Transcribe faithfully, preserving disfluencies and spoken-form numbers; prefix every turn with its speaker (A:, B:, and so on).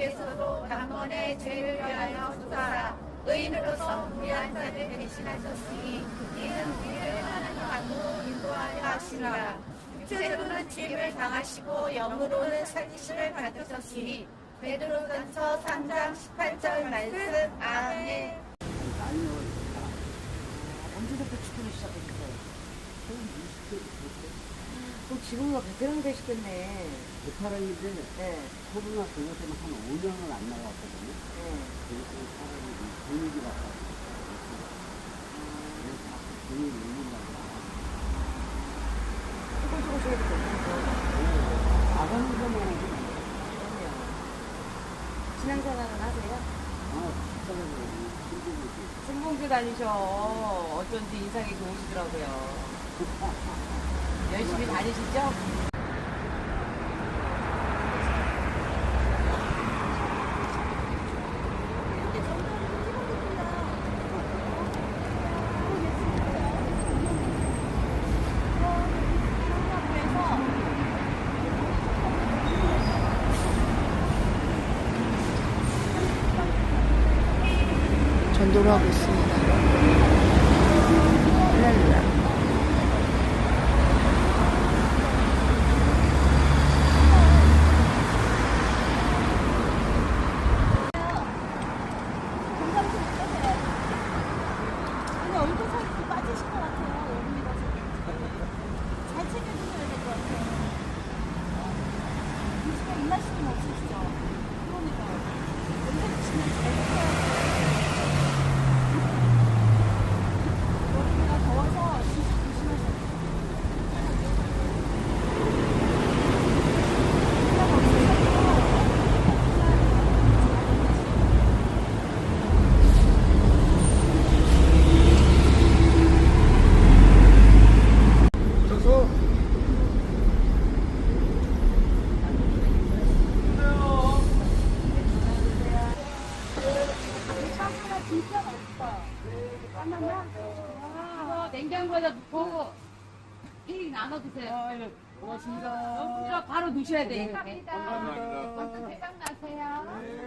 A: 주께서도 단번에 죄를 위하여 주사 의인으로서 우리 한 자를 대신하셨으니 이는 우리를 하나님 안으로 인도하여 하시라. 육체로는 죄를 당하시고 영으로는 살리심을 받으셨으니 베드로전서 삼 장 십팔 절 말씀. 아멘.
B: 언제부터 축구를 시작했어요? 그럼 지금은 베테랑 되시겠네.
C: 베테랑인데
B: 네.
C: 코로나 그것 때문에 한 오 년을 안 나갔거든요.
B: 네.
C: 그래서 사람이 분위기가 바뀌었어요. 그래서 분위기 올린다고.
B: 조금 조금씩 해도 되죠.
C: 나가는 것만 하지.
B: 그럼요. 신앙생활은 하세요?
C: 아, 식사를 힘들지.
B: 승봉주 다니셔. 어쩐지 인상이 좋으시더라고요. 열심히 다니시죠?
D: 전도를 하고 있습니다. 할렐루야.
E: 근데 얼굴 살이 좀 빠지신 것 같아요. 여름이라서. 잘 챙겨주셔야 될 것 같아요. 요즘에 입맛이 없으시죠? 그러니까. 연세 드시면 잘 챙겨야 돼요. 여름이라 더워서 진짜 조심하셔야 돼요. 진짜 맛있다. 하나만?
F: 이거 냉장고에다 넣고 케이크 나눠 드세요.
C: 아, 예. 고맙습니다.
F: 바로 드셔야 돼요.
C: 감사합니다.
F: 대박 나세요.